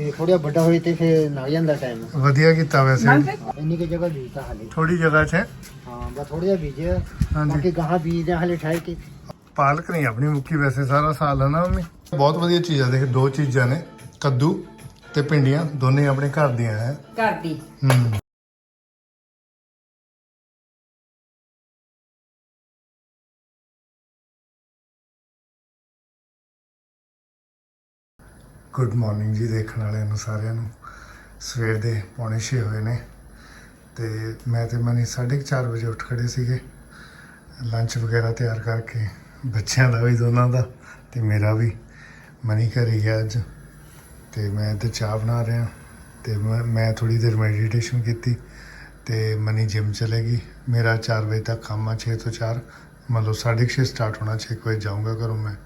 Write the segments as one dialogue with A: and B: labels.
A: ਤੇ ਥੋੜਾ ਵੱਡਾ ਹੋਏ ਤੇ ਫਿਰ ਲੱਗ ਜਾਂਦਾ ਟਾਈਮ।
B: ਵਧੀਆ ਕੀਤਾ ਵੈਸੇ।
A: ਇੰਨੀ ਕਿ ਜਗ੍ਹਾ ਬੀਜਤਾ ਹਾਲੇ।
B: ਥੋੜੀ ਜਗ੍ਹਾ 'ਚ
A: ਹਾਂ ਬਸ ਥੋੜਾ ਜਿਹਾ ਬੀਜਿਆ, ਬਾਕੀ ਗਾਹਾਂ ਬੀਜਦੇ ਹਾਲੇ ਠਾਈ ਕੇ।
B: ਪਾਲਕ ਨਹੀਂ ਆਪਣੀ ਮੁੱਕੀ ਵੈਸੇ ਸਾਰਾ ਸਾਲ ਹੈ ਨਾ ਮੰਮੀ। ਬਹੁਤ ਵਧੀਆ ਚੀਜ਼ ਆ। ਦੇਖ ਦੋ ਚੀਜ਼ਾਂ ਨੇ, ਕੱਦੂ ਤੇ ਭਿੰਡੀਆਂ, ਦੋਨੇ ਆਪਣੇ ਘਰ ਦੀਆਂ ਹੈ।
C: ਘਰ ਦੀ।
B: ਗੁੱਡ ਮਾਰਨਿੰਗ ਜੀ ਦੇਖਣ ਵਾਲਿਆਂ ਨੂੰ ਸਾਰਿਆਂ ਨੂੰ। ਸਵੇਰ ਦੇ 5:45 ਹੋਏ ਨੇ ਤੇ ਮੈਂ ਤੇ ਮਨੀ 4:30 ਵਜੇ ਉੱਠ ਖੜੇ ਸੀਗੇ। ਲੰਚ ਵਗੈਰਾ ਤਿਆਰ ਕਰਕੇ ਬੱਚਿਆਂ ਦਾ ਵੀ ਦੋਨਾਂ ਦਾ ਤੇ ਮੇਰਾ ਵੀ। ਮਨੀ ਘਰੇ ਗਿਆ ਅੱਜ ਤੇ ਮੈਂ ਤੇ ਚਾਹ ਬਣਾ ਰਿਹਾ ਤੇ ਮੈਂ ਥੋੜੀ ਦੇਰ ਮੈਡੀਟੇਸ਼ਨ ਕੀਤੀ ਤੇ ਮਨੀ ਜਿਮ ਚਲੇ ਗਈ। ਮੇਰਾ 4 ਵਜੇ ਤੱਕ ਕੰਮ ਆ, 6 ਤੋਂ 4 ਮਤਲਬ 6:30 ਸਟਾਰਟ ਹੋਣਾ, 6 ਵਜੇ ਜਾਊਂਗਾ ਘਰੋਂ ਮੈਂ।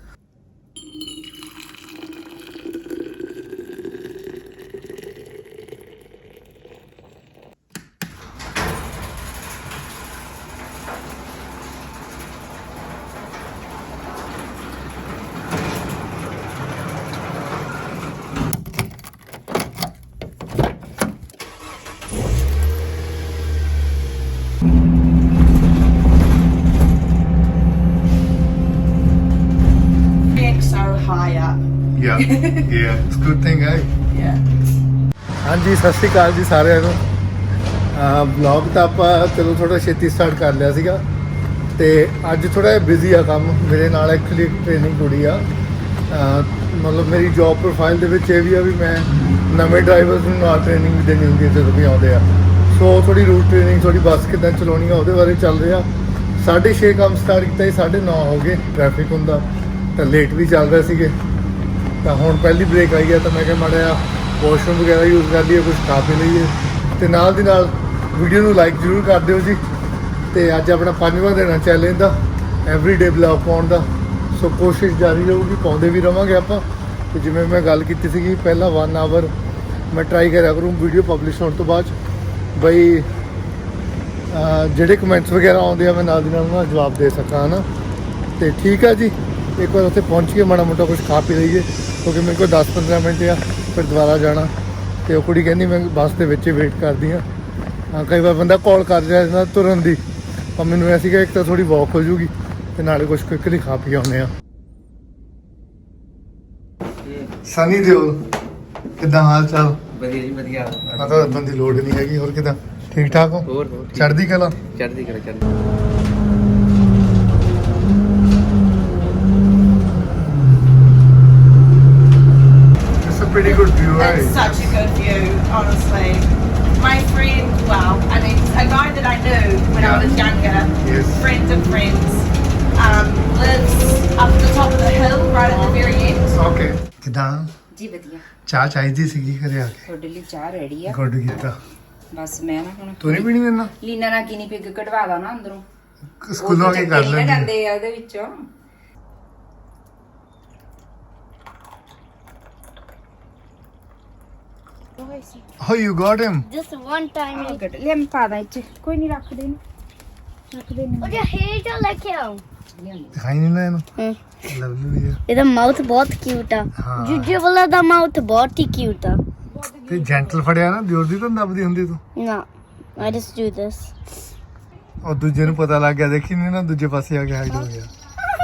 B: Yeah, it's a good thing, eh?
C: Yeah.
B: ਹਾਂਜੀ ਸਤਿ ਸ਼੍ਰੀ ਅਕਾਲ ਜੀ ਸਾਰਿਆਂ ਨੂੰ। ਵਲੌਗ ਤਾਂ ਆਪਾਂ ਚਲੋ ਥੋੜਾ ਛੇਤੀ ਸਟਾਰਟ ਕਰ ਲਿਆ ਸੀਗਾ ਤੇ ਅੱਜ ਥੋੜਾ ਜਿਹਾ ਬਿਜ਼ੀ ਆ ਕੰਮ। ਮੇਰੇ ਨਾਲ ਐਕਚੁਅਲੀ ਟ੍ਰੇਨਿੰਗ ਕੁੜੀ ਆ। ਮਤਲਬ ਮੇਰੀ ਜੌਬ ਪ੍ਰੋਫਾਈਲ ਦੇ ਵਿੱਚ ਇਹ ਵੀ ਆ ਵੀ ਮੈਂ ਨਵੇਂ ਡਰਾਈਵਰਸ ਨੂੰ ਨਾਲ ਟ੍ਰੇਨਿੰਗ ਵੀ ਦੇਣੀ ਹੁੰਦੀ ਹੈ ਜਦੋਂ ਵੀ ਆਉਂਦੇ ਆ। ਸੋ ਥੋੜੀ ਰੂਟ ਟ੍ਰੇਨਿੰਗ, ਥੋੜੀ ਬੱਸ ਕਿੱਦਾਂ ਚਲਾਉਣੀ ਆ ਉਹਦੇ ਬਾਰੇ ਚੱਲ ਰਿਹਾ। 6:30 ਕੰਮ ਸਟਾਰਟ ਕੀਤਾ ਸੀ, 9:30 ਹੋ ਗਏ। ਟ੍ਰੈਫਿਕ ਹੁੰਦਾ ਤਾਂ ਲੇਟ ਵੀ ਚੱਲ ਰਹੇ ਸੀਗੇ। ਤਾਂ ਹੁਣ ਪਹਿਲੀ ਬ੍ਰੇਕ ਆਈ ਹੈ ਤਾਂ ਮੈਂ ਕਿਹਾ ਮਾੜਾ ਜਿਹਾ ਵਾਸ਼ਰੂਮ ਵਗੈਰਾ ਯੂਜ਼ ਕਰ ਲਈਏ, ਕੁਝ ਖਾ ਪੀ ਲਈਏ ਤੇ ਨਾਲ ਦੀ ਨਾਲ ਵੀਡੀਓ ਨੂੰ ਲਾਈਕ ਜ਼ਰੂਰ ਕਰ ਦਿਓ ਜੀ। ਤੇ ਅੱਜ ਆਪਣਾ 5ਵਾਂ ਦਿਨ ਆ ਚੈਲੰਜ ਦਾ, ਐਵਰੀਡੇ ਵਲੌਗ ਪਾਉਣ ਦਾ। ਸੋ ਕੋਸ਼ਿਸ਼ ਜਾਰੀ ਰਹੂਗੀ, ਪਾਉਂਦੇ ਵੀ ਰਵਾਂਗੇ ਆਪਾਂ। ਤੇ ਜਿਵੇਂ ਮੈਂ ਗੱਲ ਕੀਤੀ ਸੀਗੀ ਪਹਿਲਾਂ 1 ਆਵਰ ਮੈਂ ਟਰਾਈ ਕਰਿਆ ਕਰੂੰ ਵੀਡੀਓ ਪਬਲਿਸ਼ ਹੋਣ ਤੋਂ ਬਾਅਦ ਬਈ ਜਿਹੜੇ ਕਮੈਂਟਸ ਵਗੈਰਾ ਆਉਂਦੇ ਆ ਮੈਂ ਨਾਲ ਦੀ ਨਾਲ ਉਹਨਾਂ ਦਾ ਜਵਾਬ ਦੇ ਸਕਾਂ ਨਾ। ਤੇ ਠੀਕ ਆ ਜੀ, ਇੱਕ ਵਾਰ ਉੱਥੇ ਪਹੁੰਚ ਕੇ ਮਾੜਾ ਮੋਟਾ ਕੁਝ ਖਾ ਪੀ ਲਈਏ ਕਿਉਂਕਿ ਮੇਰੇ ਕੋਲ 10-15 ਮਿੰਟ ਆ ਫਿਰ ਦੁਬਾਰਾ ਜਾਣਾ। ਤੇ ਉਹ ਕੁੜੀ ਕਹਿੰਦੀ ਮੈਂ ਬੱਸ ਦੇ ਵਿੱਚ ਹੀ ਵੇਟ ਕਰਦੀ ਹਾਂ। ਕਈ ਵਾਰ ਬੰਦਾ ਕਾਲ ਕਰ ਰਿਹਾ ਜਾਂਦਾ ਤੁਰਨ ਦੀ, ਪਰ ਮੈਨੂੰ ਐ ਸੀਗਾ ਇੱਕ ਤਾਂ ਥੋੜੀ ਵਾਕ ਹੋ ਜੂਗੀ ਤੇ ਨਾਲੇ ਕੁਝ ਕੁਇਕਲੀ ਖਾ ਪੀ ਆਉਂਦੇ ਆ। ਸਨੀ ਦਿਓਲ ਕਿੱਦਾਂ ਹਾਲ ਚਾਲ?
D: ਵਧੀਆ ਜੀ ਵਧੀਆ।
B: ਪਤਾ ਬੰਦੀ ਲੋੜ ਨਹੀਂ ਹੈਗੀ। ਹੋਰ ਕਿੱਦਾਂ, ਠੀਕ ਠਾਕ ਹੋ?
D: ਹੋਰ
B: ਚੜ੍ਹਦੀ ਕਲਾ।
D: ਚੜ੍ਹਦੀ ਕਲਾ ਚੜ੍ਹਦੀ।
B: Pretty good view, right?
C: It's such a good view, honestly. My friend, well, I mean, a guy that I knew when I was younger,
B: Yes.
C: friends of friends, lives up the top of the hill, right at the very end.
B: Okay. ਕਿੱਦਾਂ
E: ਜੀ ਵਧੀਆ।
B: ਚਾਹ ਚਾਹੀਦੀ ਸੀਗੀ ਘਰੇ ਆ ਕੇ।
E: ਤੁਹਾਡੇ ਲਈ ਚਾਹ ਰੈਡੀ ਆ।
B: ਗੁੱਡ ਕੀਤਾ।
E: ਬਸ ਮੈਂ ਨਾ ਹੁਣ
B: ਤੂੰ ਨਹੀਂ ਪੀਣੀ ਮੇਰੇ ਨਾਲ?
E: ਲੀਨਾ ਨਾਲ ਕਿਨੀ ਪਿੱਗ ਕਢਵਾ ਦਾ ਨਾ ਅੰਦਰੋਂ।
B: ਸਕੂਲੋਂ ਆ ਕੇ ਕਰ ਲੈਂਦੇ।
E: ਜਾਂਦੇ ਆ ਉਹਦੇ ਵਿੱਚੋਂ।
B: Oh, you got him?
F: Just one time.
E: ਗੱਡ ਲੈ ਮੈਂ ਪਾ ਦਾਂ ਇੱਥੇ। ਕੋਈ ਨਹੀਂ ਰੱਖ ਦੇ ਇਹਨੂੰ। ਰੱਖ ਦੇ ਇਹਨੂੰ।
F: ਉਹਦਾ ਹੇਅਰ ਤਾਂ ਲੱਗਿਆ
B: ਦਿਖਾਈ ਨਹੀਂ ਨਾ ਇਹਨੂੰ। ਲਵਲੀ ਹੈ।
F: ਇਹਦਾ ਮਾਊਥ ਬਹੁਤ ਕਿਊਟ ਆ।
B: ਹਾਂ।
F: ਜੁਜੇ ਵਾਲਾ ਦਾ ਮਾਊਥ ਬਹੁਤ ਹੀ ਕਿਊਟ ਆ।
B: ਤੇ ਜੈਂਟਲ ਫੜਿਆ ਨਾ, ਦਿਓਰ ਦੀ ਤਾਂ ਦੱਬਦੀ ਹੁੰਦੀ ਤੂੰ।
F: ਨਾ I just do this.
B: ਉਹ ਦੂਜੇ ਨੂੰ ਪਤਾ ਲੱਗ ਗਿਆ, ਦੇਖੀ ਨਹੀਂ ਨਾ ਦੂਜੇ ਪਾਸੇ ਆ ਕੇ ਹਾਈਡ ਹੋ ਗਿਆ।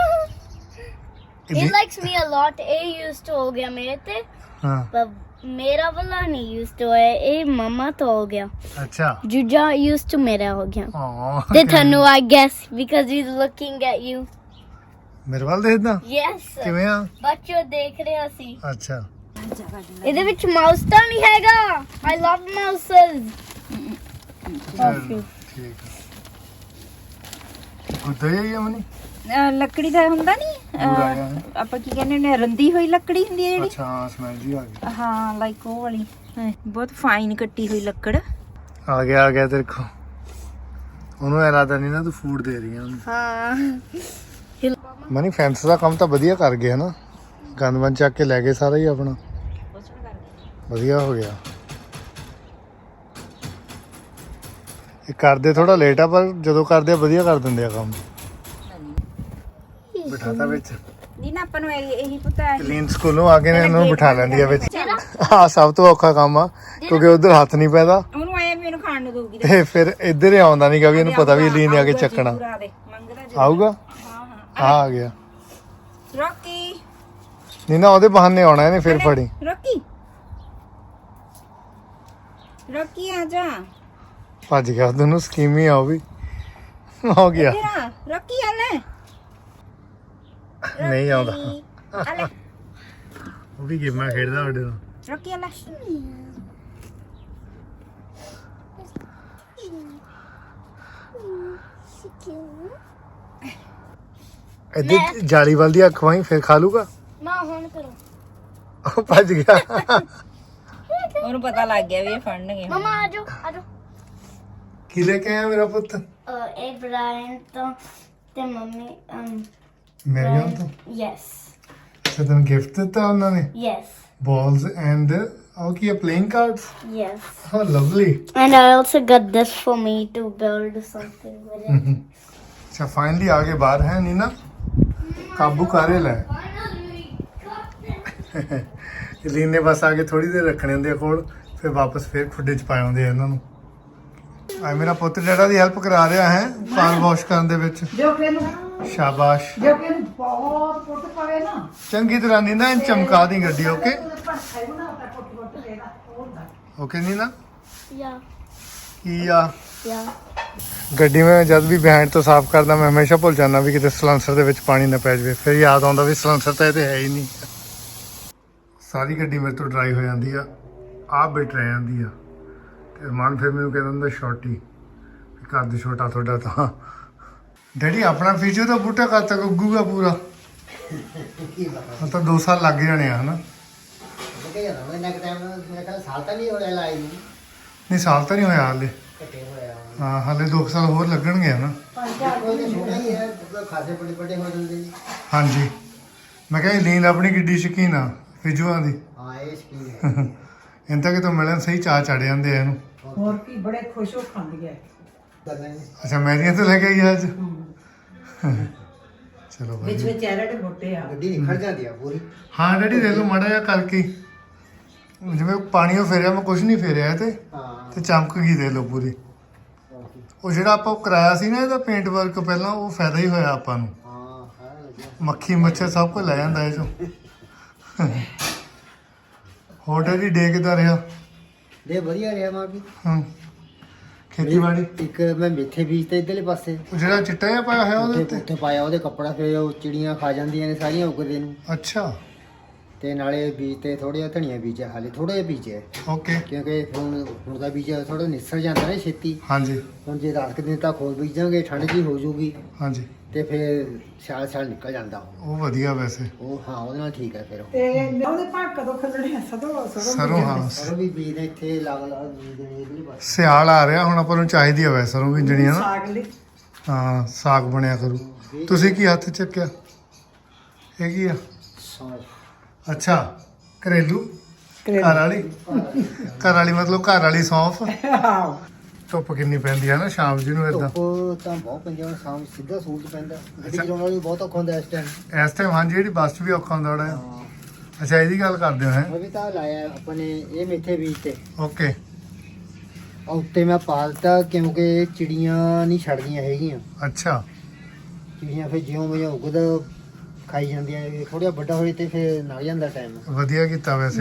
F: He likes me a lot. ਇਹ used to ਹੋ ਗਿਆ ਮੇਰੇ ਤੇ,
B: ਹਾਂ
F: ਪਰ ਮੇਰਾ ਵਾਲਾ ਨਹੀਂ used to ਹੈ। ਇਹ ਮਮਾ ਤੋਂ ਹੋ ਗਿਆ।
B: ਅੱਛਾ।
F: ਜੁਜਾ used to ਮੇਰਾ ਹੋ ਗਿਆ।
B: ਹਾਂ
F: ਤੇ ਤੁਹਾਨੂੰ I guess because he's looking at you.
B: ਮੇਰੇ ਵੱਲ ਦੇਖਦਾ
F: Yes.
B: ਕਿਵੇਂ ਆ?
F: ਬੱਚੋ ਦੇਖ ਰਿਹਾ ਸੀ।
B: ਅੱਛਾ।
F: ਇਹਦੇ ਵਿੱਚ ਮਾਊਸ ਤਾਂ ਨਹੀਂ ਹੈਗਾ। I love mouses.
B: ਠੀਕ ਕੁੱਤਾ ਹੀ ਆ ਮਨੀ।
E: ਲੱਕੜੀ ਦਾ ਹੁੰਦਾ ਨਹੀਂ
B: ਪੂਰਾ ਆ।
E: ਆਪਾਂ ਕੀ ਕਹਿੰਦੇ ਨੇ, ਰੰਦੀ ਹੋਈ ਲੱਕੜੀ ਹੁੰਦੀ ਹੈ ਜਿਹੜੀ।
B: ਅੱਛਾ ਸਮੈਲ ਜੀ ਆ ਗਈ।
E: ਹਾਂ ਲਾਈਕ ਉਹ ਵਾਲੀ। ਬਹੁਤ ਫਾਈਨ ਕੱਟੀ ਹੋਈ ਲੱਕੜ।
B: ਆ ਗਿਆ ਤੇਰੇ ਕੋ। ਉਹਨੂੰ ਇਰਾਦਾ ਨਹੀਂ ਨਾ ਤੂੰ ਫੂਡ ਦੇ ਰਹੀ ਆ ਉਹਨੂੰ।
F: ਹਾਂ।
B: ਮਨੀ ਫੈਂਸ ਦਾ ਕੰਮ ਤਾਂ ਵਧੀਆ ਕਰ ਗਏ ਨਾ, ਗੰਦਮਨ ਚੱਕ ਕੇ ਲੈ ਗਏ ਸਾਰਾ ਹੀ ਆਪਣਾ। ਵਧੀਆ ਹੋ ਗਿਆ। ਇਹ ਕਰਦੇ ਥੋੜਾ ਲੇਟ ਆ ਪਰ ਜਦੋਂ ਕਰਦੇ ਆ ਵਧੀਆ ਕਰ ਦਿੰਦੇ ਆ ਕੰਮ। ਬਿਠਾਤਾ ਵਿੱਚ
E: ਨਹੀਂ ਨਾ ਆਪਾਂ ਨੂੰ ਇਹੀ ਪਤਾ ਹੈ।
B: ਕਲੀਨ ਸਕੂਲੋਂ ਆ ਕੇ ਇਹਨਾਂ ਨੂੰ ਬਿਠਾ ਲੈਂਦੀ ਆ ਵਿੱਚ।
F: ਮੇਰਾ
B: ਆ ਸਭ ਤੋਂ ਔਖਾ ਕੰਮ ਆ ਕਿਉਂਕਿ ਉਧਰ ਹੱਥ ਨਹੀਂ ਪੈਦਾ
E: ਉਹਨੂੰ ਆਇਆ ਵੀ ਇਹਨੂੰ ਖਾਣ ਨੂੰ ਦਊਗੀ
B: ਤੇ ਫਿਰ ਇੱਧਰ ਹੀ ਆਉਂਦਾ ਨਹੀਂਗਾ ਵੀ ਇਹਨੂੰ ਪਤਾ ਵੀ ਲੀਨ ਨੇ ਆ ਕੇ ਚੱਕਣਾ
E: ਮੰਗਦਾ
B: ਆਊਗਾ
E: ਹਾਂ
B: ਆ ਗਿਆ
E: ਰੋਕੀ
B: ਨੀਨਾ ਉਹਦੇ ਬਹਾਨੇ ਆਉਣਾ ਇਹਨੇ ਫਿਰ ਫੜੀ
E: ਰੋਕੀ ਰੋਕੀ ਆ ਜਾ
B: ਭੱਜ ਗਿਆ ਦੋਨੋਂ ਸਕੀਮ ਹੀ ਆ ਉਹ ਵੀ ਹੋ ਗਿਆ
E: ਤੇਰਾ ਰੋਕੀ ਆ ਲੈ
B: ਨਹੀਂ ਆਉਂਦਾ
E: ਆ ਲੈ
B: ਉਹ ਵੀ ਗੇਮਾਂ ਖੇਡਦਾ ਉਹਦੇ ਨਾਲ
E: ਰੋਕੀ ਆ ਲੈ
B: ਇੱਧਰ ਜਾਲੀ ਵੱਲ ਦੀ ਅੱਖ ਵਾਈ ਫਿਰ ਖਾ ਲੂਗਾ
F: ਮਾਂ ਹੁਣ ਕਰੋ
B: ਉਹ ਭੱਜ ਗਿਆ
E: ਉਹਨੂੰ ਪਤਾ ਲੱਗ ਗਿਆ ਵੀ ਇਹ ਫੜਨਗੇ
F: ਮਮਾ ਆਜੋ ਆਜੋ
B: ਕੀ ਲੈ ਕੇ ਆਇਆ ਮੇਰਾ ਪੁੱਤ
F: ਇਹ ਬ੍ਰਾਇਨ ਤੋਂ ਤੇ ਮੰਮੀ
B: ਮੇਰੇ ਨਾਲ ਤਾਂ
F: ਯੈਸ
B: ਅੱਛਾ ਤੈਨੂੰ ਗਿਫਟ ਦਿੱਤਾ ਉਹਨਾਂ ਨੇ
F: ਯੈਸ
B: balls and oh ਕੀ playing cards
F: yes
B: oh lovely
F: and I also got this for me to build something with it
B: ਅੱਛਾ ਫਾਈਨਲੀ ਆ ਗਏ ਬਾਹਰ ਹੈ ਨੀਨਾ ਕਾਬੂ ਕਰੇ ਲੈ ਲੀਨ ਨੇ ਬਸ ਆ ਕੇ ਥੋੜੀ ਦੇਰ ਰੱਖਣੇ ਹੁੰਦੇ ਆ ਕੋਲ ਫਿਰ ਵਾਪਸ ਫਿਰ ਖੁੱਡੇ ਚ ਪਾਏ ਹੁੰਦੇ ਆ ਇਹਨਾਂ ਨੂੰ ਆ ਮੇਰਾ ਪੁੱਤ ਡੈਡਾ ਦੀ ਹੈਲਪ ਕਰਾ ਰਿਹਾ ਹੈ ਕਾਰ ਵਾਸ਼ ਕਰਨ ਦੇ ਵਿੱਚ
A: ਜੋ ਕਿ ਇਹਨੂੰ
B: ਸ਼ਾਬਾਸ਼
A: ਜੋ ਕਿ ਇਹਨੂੰ ਬਹੁਤ ਪੁੱਟ ਪਵੇ ਨਾ
B: ਚੰਗੀ ਤਰ੍ਹਾਂ ਨੀਨਾ ਇਹਨੂੰ ਚਮਕਾ ਦੀ ਗੱਡੀ ਓਕੇ
A: ਪਰਖਾਈ ਬਣਾਉਂਦਾ ਪੁੱਟ ਦੇਣਾ ਹੁੰਦਾ
B: ਓਕੇ ਨੀਨਾ
F: yeah
B: ਕੀ ਆ
F: yeah
B: ਗੱਡੀ ਮੈਂ ਜਦ ਵੀ ਬਿਹਾਈਂਡ ਤੋਂ ਸਾਫ਼ ਕਰਦਾ ਮੈਂ ਹਮੇਸ਼ਾ ਭੁੱਲ ਜਾਂਦਾ ਵੀ ਕਿਤੇ ਸਲੈਂਸਰ ਦੇ ਵਿੱਚ ਪਾਣੀ ਨਾ ਪੈ ਜਾਵੇ ਫਿਰ ਯਾਦ ਆਉਂਦਾ ਵੀ ਸਲੈਂਸਰ ਤਾਂ ਇਹ ਤੇ ਹੈ ਹੀ ਨਹੀਂ ਸਾਰੀ ਗੱਡੀ ਮੇਰੇ ਤੋਂ ਡਰਾਈ ਹੋ ਜਾਂਦੀ ਆ ਆਹ ਬਿਟ ਰਹਿ ਜਾਂਦੀ ਆ ਤੇ ਮਨ ਫਿਰ ਮੈਨੂੰ ਕਹਿੰਦਾ ਹੁੰਦਾ ਛੋਟੀ ਵੀ ਘਰ ਦੀ ਛੋਟਾ ਤੁਹਾਡਾ ਤਾਂ ਡੈਡੀ ਆਪਣਾ ਫੀਚਰ ਤਾਂ ਬੂਟਾ ਕਦ ਤੱਕ ਉੱਗੂਗਾ ਪੂਰਾ ਤਾਂ 2 ਸਾਲ ਲੱਗ ਜਾਣੇ ਆ ਹਨਾ
A: ਕਿ ਯਾਰ ਇਹਨਾਂ ਕਿ ਟਾਈਮ ਮੇਰੇ ਖਿਆਲ ਸਾਲ ਤਾਂ ਨਹੀਂ ਹੋਇਆ ਲਾਈ ਨੂੰ
B: ਨਹੀਂ ਸਾਲ ਤਾਂ ਨਹੀਂ ਹੋਇਆ ਹਾਲੇ
A: ਘਟੇ ਹੋਇਆ
B: ਹਾਂ ਹਾਲੇ 2 ਸਾਲ ਹੋਰ ਲੱਗਣਗੇ ਹਨਾ
A: ਕੋਈ ਤਾਂ ਛੋਟਾ ਹੀ ਹੈ ਖਾਸੇ ਬੜੇ ਬੜੇ ਹੋ ਜਾਂਦੇ ਨੇ
B: ਹਾਂਜੀ ਮੈਂ ਕਿਹਾ ਲੀਨ ਆਪਣੀ ਕਿੱਡੀ ਸ਼ਕੀਨ ਆ ਫਿਜੂਆਂ ਦੀ
A: ਹਾਂ ਇਹ ਸਕੀਮ ਹੈ
B: ਇਹਨਾਂ ਤੱਕ ਤਾਂ ਮਿਲਣ ਸਹੀ ਚਾਹ ਚੜ ਜਾਂਦੇ ਆ ਇਹਨੂੰ
G: ਹੋਰ ਕੀ ਬੜੇ ਖੁਸ਼ ਹੋ ਖਾਂਦੀ ਹੈ
A: ਕਰਨਾ ਨਹੀਂ
B: ਅੱਛਾ ਮੈਰੀਆਂ ਤੋਂ ਲੈ ਕੇ ਆਈ ਅੱਜ ਚਲੋ
G: ਵਿੱਚ
B: ਵਧੀਆ
G: ਵਿੱਚ ਐਰੜ ਮੋਟੇ ਆ
A: ਗੱਡੀ ਨਿਖੜ ਜਾਂਦੀ ਆ ਪੂਰੀ
B: ਹਾਂ ਡੈਡੀ ਦੇ ਲਓ ਮਾੜਾ ਜਿਹਾ ਕਰਕੇ ਜਿਵੇਂ ਪਾਣੀ ਉਹ ਫੇਰਿਆ ਮੈਂ ਕੁਝ ਨਹੀਂ ਫੇਰਿਆ ਇਹ ਤੇ
A: ਹਾਂ
B: ਤੇ ਚਮਕ ਗਈ ਦੇ ਲਓ ਪੂਰੀ ਉਹ ਜਿਹੜਾ ਆਪਾਂ ਕਰਾਇਆ ਸੀ ਨਾ ਇਹਦਾ ਪੇਂਟ ਵਰਕ ਪਹਿਲਾਂ ਉਹ ਫਾਇਦਾ ਹੀ ਹੋਇਆ ਆਪਾਂ ਨੂੰ
A: ਹਾਂ ਸਾਰਾ ਲੱਗਿਆ
B: ਮੱਖੀ ਮੱਛਰ ਸਭ ਕੁਝ ਲੈ ਜਾਂਦਾ ਇਹ ਚੋਂ ਹੋਰ ਡੈਡੀ ਡੇ ਕਿੱਦਾਂ ਰਿਹਾ
A: ਦੇ ਵਧੀਆ ਰਿਹਾ ਮਾਂ ਵੀ
B: ਹਾਂ ਖੇਤੀਬਾੜੀ
A: ਇੱਕ ਮੈਂ ਮੇਥੇ ਬੀਜ ਤੇ ਇਧਰਲੇ ਪਾਸੇ
B: ਉਹ ਜਿਹੜਾ ਚਿੱਟਾ ਜਿਹਾ ਪਾਇਆ ਹੋਇਆ ਉਹਦੇ ਉੱਤੇ
A: ਉੱਥੇ ਪਾਇਆ ਉਹਦੇ ਕੱਪੜਾ ਫਿਰ ਉਹ ਚਿੜੀਆਂ ਖਾ ਜਾਂਦੀਆਂ ਨੇ ਸਾਰੀਆਂ ਉੱਗਦੇ ਨੂੰ
B: ਅੱਛਾ
A: ਤੇ ਨਾਲੇ ਬੀਜ ਤੇ ਥੋੜੇ ਜਿਹਾ ਧਨੀਆ ਬੀਜਿਆ ਹਾਲੇ ਥੋੜਾ ਜਿਹਾ ਬੀਜਿਆ
B: ਓਕੇ
A: ਕਿਉਂਕਿ ਹੁਣ ਦਾ ਬੀਜ ਥੋੜਾ ਨਿਸਰ ਜਾਂਦਾ ਨਾ ਛੇਤੀ
B: ਹਾਂਜੀ
A: ਹੁਣ ਜੇ ਰਾਤ ਦਿਨ ਤੱਕ ਹੋਰ ਬੀਜਾਂਗੇ ਠੰਡ ਜੀ ਹੋ ਜੂਗੀ
B: ਹਾਂਜੀ
A: ਤੇ ਫਿਰ ਸਿਆਲ ਨਿਕਲ ਜਾਂਦਾ
B: ਉਹ ਵਧੀਆ ਵੈਸੇ
A: ਉਹ ਹਾਂ ਉਹਦੇ ਨਾਲ ਠੀਕ ਹੈ ਫਿਰ ਉਹ
G: ਤੇ ਉਹਦੇ ਭਾਗ ਕਦੋਂ ਖੱਲਣੇ ਆ ਸਦੋਂ
B: ਸਰੋਂ ਹਾਂ
A: ਸਰੋਂ ਵੀ ਬੀਜ ਨੇ ਇੱਥੇ ਲੱਗ ਬੀਜ ਦੇਣੇ ਇਹਦੇ ਬਸ
B: ਸਿਆਲ ਆ ਰਿਹਾ ਹੁਣ ਆਪਾਂ ਨੂੰ ਚਾਹੀਦੀ ਆ ਵੈਸੇ ਸਰੋਂ ਬੀਜਣੀ ਆ ਨਾ
G: ਸਾਗ ਲਈ
B: ਹਾਂ ਸਾਗ ਬਣਿਆ ਕਰੂ ਤੁਸੀਂ ਕੀ ਹੱਥ 'ਚ ਚੱਕਿਆ ਇਹ ਕੀ ਆ
A: ਸੌਂਫ
B: ਅੱਛਾ ਘਰੇਲੂ ਘਰ ਵਾਲੀ ਮਤਲਬ ਘਰ ਵਾਲੀ ਸੌਂਫ ਧੁੱਪ ਕਿੰਨੀ ਪੈਂਦੀ ਆ ਨਾ ਸ਼ਾਮ ਜੀ ਨੂੰ ਇਦਾਂ
A: ਧੁੱਪ ਤਾਂ ਬਹੁਤ ਪੈਂਦੀ ਹੁਣ ਸ਼ਾਮ ਸਿੱਧਾ ਸੂਰਜ ਪੈਂਦਾ ਗੱਡੀ ਚਲਾਉਣ ਵਾਲੀ ਬਹੁਤ ਔਖਾ ਹੁੰਦਾ ਇਸ ਟਾਈਮ
B: ਇਸ ਟਾਈਮ ਹਾਂਜੀ ਜਿਹੜੀ ਬੱਸ 'ਚ ਵੀ ਔਖਾ ਹੁੰਦਾ ਥੋੜਾ
A: ਹਾਂ
B: ਅੱਛਾ ਇਹਦੀ ਗੱਲ ਕਰਦੇ ਹੋ ਹੈ
A: ਉਹ ਵੀ ਤਾਂ ਲਾਇਆ ਆਪਾਂ ਨੇ ਇਹ ਮੇਥੇ ਬੀਜ ਤੇ
B: ਓਕੇ
A: ਆ ਉੱਤੇ ਮੈਂ ਪਾਲਤਾ ਕਿਉਂਕਿ ਚਿੜੀਆਂ ਨਹੀਂ ਛੱਡਦੀਆਂ ਹੈਗੀਆਂ
B: ਅੱਛਾ
A: ਚਿੜੀਆਂ ਫਿਰ ਜਿਉਂ ਜਿਉਂ ਉਗਦਾ ਖਾਈ ਜਾਂਦੀਆਂ ਨੇ ਥੋੜਾ ਵੱਡਾ ਹੋਏ ਤੇ ਫਿਰ ਲੰਘ ਜਾਂਦਾ ਟਾਈਮ
B: ਵਧੀਆ ਕੀਤਾ ਵੈਸੇ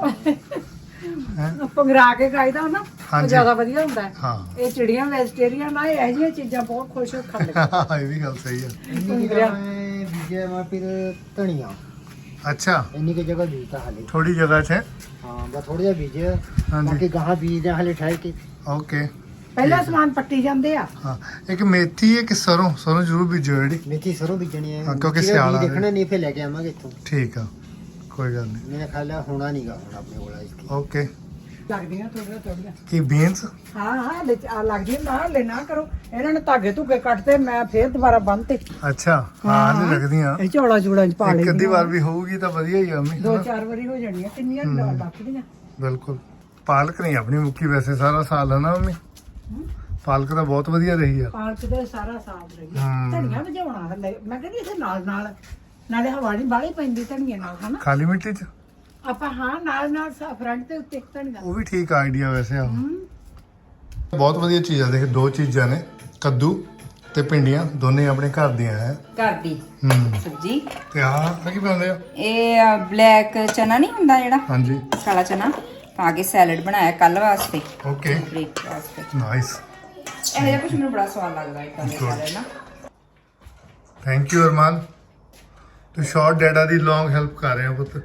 G: ਪੰਗਰਾ ਕੇ ਖਾਈਦਾ ਨਾ ਉਹ
B: ਹਾਂਜੀ।
G: ਜ਼ਿਆਦਾ ਵਧੀਆ ਹੁੰਦਾ ਹੈ।
B: ਹਾਂ
G: ਇਹ ਚਿੜੀਆਂ ਵੈਜੀਟੇਰੀਅਨ ਆ ਇਹੋ ਜਿਹੀਆਂ ਚੀਜ਼ਾਂ ਬਹੁਤ ਖੁਸ਼ ਹੋ ਕੇ ਖਾਂਦੇ
B: ਇਹ ਵੀ ਗੱਲ ਸਹੀ ਆ
A: ਇੰਨੀ ਕਿ ਮੈਂ ਬੀਜਿਆ ਮੈਂ ਫਿਰ ਧਨੀਆ
B: ਅੱਛਾ
A: ਇੰਨੀ ਕਿ ਜਗ੍ਹਾ ਬੀਜਤਾ ਹਾਲੇ
B: ਥੋੜੀ ਜਗ੍ਹਾ 'ਚ
A: ਹਾਂ ਬਸ ਥੋੜਾ ਜਿਹਾ ਬੀਜਿਆ
B: ਹਾਂਜੀ
A: ਬਾਕੀ ਗਾਹਾਂ ਬੀਜਦੇ ਹਾਲੇ ਠਹਿਰ ਕੇ
B: ਓਕੇ
G: ਪਹਿਲਾਂ ਸਮਾਨ ਪੱਟੀ ਜਾਂਦੇ ਆ
B: ਹਾਂ ਇੱਕ ਮੇਥੀ ਇੱਕ ਸਰੋਂ ਜ਼ਰੂਰ ਬੀਜੋ ਜਿਹੜੀ
A: ਮੇਥੀ ਸਰੋਂ ਬੀਜਣੀ ਹੈ
B: ਹਾਂ, ਕਿਉਂਕਿ ਸਿਆਲ ਆ ਰਿਹਾ।
A: ਦੇਖਣਾ ਨਹੀਂ ਫਿਰ ਲੈ ਕੇ ਆਵਾਂਗੇ ਇੱਥੋਂ
B: ਠੀਕ ਆ ਕੋਈ ਗੱਲ ਨਹੀਂ
A: ਮੇਰਾ ਖਿਆਲ ਹੈ ਹੋਣਾ ਨਹੀਂਗਾ ਹੁਣ ਆਪਣੇ ਕੋਲ ਇਸਕੀ
B: ਓਕੇ
G: ਲੱਗਦੀਆਂ ਥੋੜੀਆਂ
B: ਕੀ ਬੀਨਸ
G: ਹਾਂ ਹਾਂ ਲੱਗਦੀਆਂ ਨਾ ਲੈ ਨਾ ਕਰੋ ਇਹਨਾਂ ਨੇ ਧਾਗੇ ਧੁਗੇ ਕੱਟਦੇ ਮੈਂ ਫੇਰ ਦੁਬਾਰਾ ਬੰਨਤੇ
B: ਅੱਛਾ ਹਾਂ ਨਹੀਂ ਲੱਗਦੀਆਂ
G: ਇਹ ਝੋਲਾ ਚੂੜਾ ਚ ਪਾ
B: ਇੱਕ ਅੱਧੀ
G: ਲਈ
B: ਵਾਰ ਵੀ ਹੋਊਗੀ ਤਾਂ ਵਧੀਆ ਹੀ ਆ ਮੰਮੀ
G: ਦੋ
B: ਹਨਾ?
G: ਚਾਰ ਵਾਰੀ ਹੋ ਜਾਣੀਆਂ ਕਿੰਨੀਆਂ ਲੱਕੜੀਆਂ
B: ਬਿਲਕੁਲ ਪਾਲਕ ਨਹੀਂ ਆਪਣੀ ਮੁੱਕੀ ਵੈਸੇ ਸਾਰਾ ਸਾਲ ਹੈ ਨਾ ਮੰਮੀ ਪਾਲਕ ਤਾਂ ਬਹੁਤ ਵਧੀਆ ਰਹੀ ਆ
G: ਪਾਲਕ ਦੇ ਸਾਰਾ ਸਾਫ ਰਹੀ
B: ਹਮ।
G: ਧਨੀਆ ਵਜਾਉਣਾ ਹਲੇ ਮੈਂ ਕਹਿੰਦੀ ਇਥੇ ਨਾਲ ਨਾਲੇ ਹਵਾ ਨਹੀਂ ਬਾਹਲੀ ਪੈਂਦੀ ਧਨੀਏ ਨਾਲ ਹਨਾ
B: ਖਾਲੀ ਮਿੱਟੀ 'ਚ
G: ਆਪਾਂ ਹਾਂ ਨਾਲ ਫਰੰਟ ਦੇ ਉੱਤੇ ਤਾਂ ਨਹੀਂ
B: ਉਹ ਵੀ ਠੀਕ ਆਈਡੀਆ ਵੈਸੇ ਆ ਬਹੁਤ ਵਧੀਆ ਚੀਜ਼ ਆ ਦੇਖ ਦੋ ਚੀਜ਼ਾਂ ਨੇ ਕੱਦੂ ਤੇ ਭਿੰਡੀਆਂ ਦੋਨੇ ਆਪਣੇ ਘਰ ਦੀਆਂ ਹੈ
H: ਘਰ ਦੀ
B: ਹੂੰ
H: ਸਬਜੀ
B: ਤੇ ਆਹ ਕੀ ਬਣਾਉਂਦੇ ਆ
H: ਇਹ ਬਲੈਕ ਚਨਾ ਨਹੀਂ ਹੁੰਦਾ ਜਿਹੜਾ
B: ਹਾਂਜੀ
H: ਕਾਲਾ ਚਨਾ ਪਾ ਕੇ ਸੈਲਡ ਬਣਾਇਆ ਕੱਲ ਵਾਸਤੇ
B: ਓਕੇ
H: ਬ੍ਰੇਕਫਾਸਟ ਤੇ
B: ਨਾਈਸ
H: ਇਹ ਜਿਹਾ ਕੁਝ ਮੈਨੂੰ ਬੜਾ ਸਵਾਦ ਲੱਗਦਾ ਇਦਾਂ ਦੇ ਸਾਰੇ ਨਾ
B: ਥੈਂਕ ਯੂ ਅਰਮਾਨ ਤੂੰ ਸ਼ਾਰਟ ਡੈਡਾ ਦੀ ਲੌਂਗ ਹੈਲਪ ਕਰ ਰਿਹਾ ਪੁੱਤ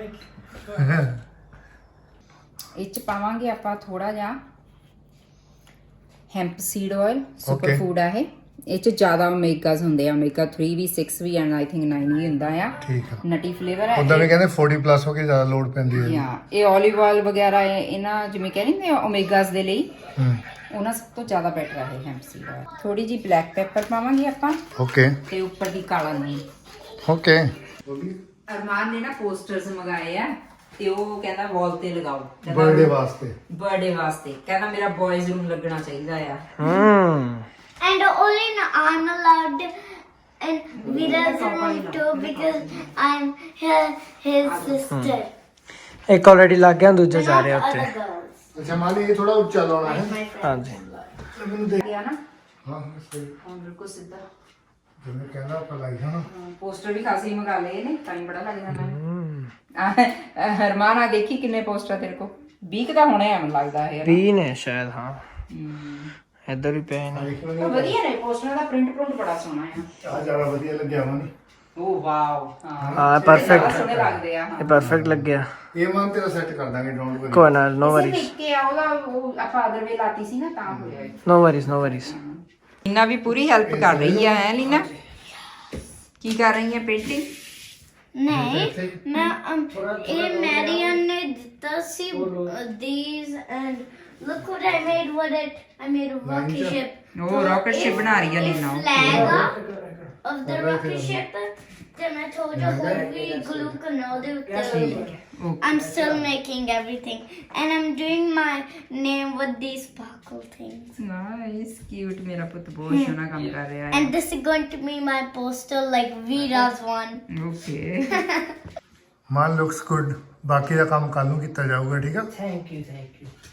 H: ਇਹ ਚ ਪਾਵਾਂਗੇ ਆਪਾਂ ਥੋੜਾ ਜਿਹਾ hemp seed oil super
B: Okay.
H: Food ਆ ਇਹ ਚ ਜ਼ਿਆਦਾ ਓਮੇਗਾਸ ਹੁੰਦੇ ਆ ਓਮੇਗਾ 3 ਵੀ 6 ਵੀ ਐਂਡ ਆਈ ਥਿੰਕ 9 ਵੀ ਹੁੰਦਾ ਆ
B: ਠੀਕ ਆ
H: ਨਟੀ ਫਲੇਵਰ ਹੈ
B: ਉਦਾਂ ਵੀ ਕਹਿੰਦੇ 40 ਪਲੱਸ ਹੋ ਕੇ ਜ਼ਿਆਦਾ ਲੋਡ ਪੈਂਦੀ ਹੈ
H: ਯਾ ਇਹ 올ਿਵ ਆਇਲ ਵਗੈਰਾ ਇਹਨਾਂ ਜਿਵੇਂ ਕਹਿੰਦੇ ਆ ਓਮੇਗਾਸ ਦੇ ਲਈ
B: ਹੂੰ
H: ਉਹਨਾਂ ਸਭ ਤੋਂ ਜ਼ਿਆਦਾ ਬੈਟਰ ਹੈ ਹੈਂਪ ਸੀਡ ਆਇਲ ਥੋੜੀ ਜੀ ਬਲੈਕ ਪੈਪਰ ਪਾਵਾਂਗੇ ਆਪਾਂ
B: ਓਕੇ
H: ਤੇ ਉੱਪਰ ਦੀ ਕਾਲਾ ਨੂਣ
B: ਓਕੇ
H: ਅਰਮਾਨ ਨੇ ਨਾ ਪੋਸਟਰਸ ਮੰਗਾਏ ਆ ਤੇ ਉਹ ਕਹਿੰਦਾ ਵਾਲ ਤੇ ਲਗਾਓ
B: ਬਰਥਡੇ ਵਾਸਤੇ
H: ਬਰਥਡੇ ਵਾਸਤੇ ਕਹਿੰਦਾ ਮੇਰਾ ਬॉयਜ਼ ਰੂਮ ਲੱਗਣਾ ਚਾਹੀਦਾ ਆ
F: And only I'm allowed and Vira's room too because I'm his sister.
I: ਇੱਕ ਆਲਰੇਡੀ ਲੱਗ ਗਿਆ ਦੂਜਾ ਜਾ ਰਿਹਾ
F: Not
I: ਉੱਤੇ
F: other girls.
B: ਅੱਛਾ ਮਾਲੀ ਇਹ ਥੋੜਾ ਉੱਚਾ ਲਾਉਣਾ ਹੈ
F: My friend.
I: ਹਾਂਜੀ
B: ਮੈਨੂੰ ਦੇਖ
H: ਗਿਆ ਨਾ
B: ਹਾਂ ਸਹੀ
H: ਹਾਂ ਬਿਲਕੁਲ ਸਿੱਧਾ
B: ਜਿਵੇਂ ਕਹਿੰਦਾ ਆਪਾਂ ਲਾਈ ਹਾਂ
H: ਪੋਸਟਰ ਵੀ ਖਾਸੇ ਹੀ ਮੰਗਾ ਲਏ ਨੇ ਟਾਈਮ ਬੜਾ ਲੱਗ ਜਾਣਾ ਹਰਮਾਨ ਆ ਦੇਖੀ ਕਿੰਨੇ ਪੋਸਟਰ ਤੇਰੇ ਕੋ 20 ਦਾ ਹੋਣੇ ਆ ਮੈਨੂੰ ਲੱਗਦਾ ਹੈ
I: 20 ਨੇ ਸ਼ਾਇਦ ਹਾਂ ਇੱਧਰ ਵੀ ਪਏ ਨੇ
H: ਵਧੀਆ ਨੇ ਪੋਸਟਰਾਂ ਦਾ ਪ੍ਰਿੰਟ ਬੜਾ ਸੋਹਣਾ ਆ
B: ਆ ਜਿਆਦਾ ਵਧੀਆ ਲੱਗਿਆ ਮਨ
H: ਓ ਵਾਓ
I: ਹਾਂ perfect।
H: ਸੋਹਣੇ ਲੱਗਦੇ ਆ
I: ਇਹ ਪਰਫੈਕਟ ਲੱਗਿਆ
B: ਇਹ ਮਨ ਤੇਰਾ ਸੈੱਟ ਕਰ ਦਾਂਗੇ ਡੋਂਟ ਵਰੀ
I: ਕੋਈ ਨਾ ਨੋ
H: ਵਰੀ
I: ਵਰੀਜ਼
H: ਕੇ ਆ ਉਹਦਾ ਉਹ ਆਪਾਂ ਅਦਰ ਵੇ ਲਾਤੀ ਸੀ ਨਾ ਤਾਂ ਹੋਇਆ
I: no worries no worries
H: Leena ਵੀ ਪੂਰੀ ਹੈਲਪ ਕਰ ਰਹੀ ਹੈ ਲੀਨਾ ਕੀ ਕਰ ਰਹੀ ਹੈ ਪੇਂਟਿੰਗ
F: ਨਹੀਂ ਮੈਂ ਇਹ ਮੈਰੀਅਨ ਨੇ ਦਿੱਤਾ ਸੀ these and look what I made with it. I made a rocket ship.
H: ਉਹ rocket ship ਬਣਾ ਰਹੀ ਹੈ Leena
F: Flag of the rocket ship. Then I told you how we glue canal I'm still making everything and I'm doing my name with these sparkle things.
H: Nice cute ਮੇਰਾ ਪੁੱਤ ਬਹੁਤ ਸੋਹਣਾ ਕੰਮ ਕਰ ਰਿਹਾ ਹੈ
F: And this is going to be my poster like Vira's one.
H: Okay
B: man looks good ਬਾਕੀ ਦਾ ਕੰਮ ਕੱਲ ਨੂੰ ਕੀਤਾ ਜਾਊਗਾ ਠੀਕ ਆ
G: ਥੈਂਕ ਯੂ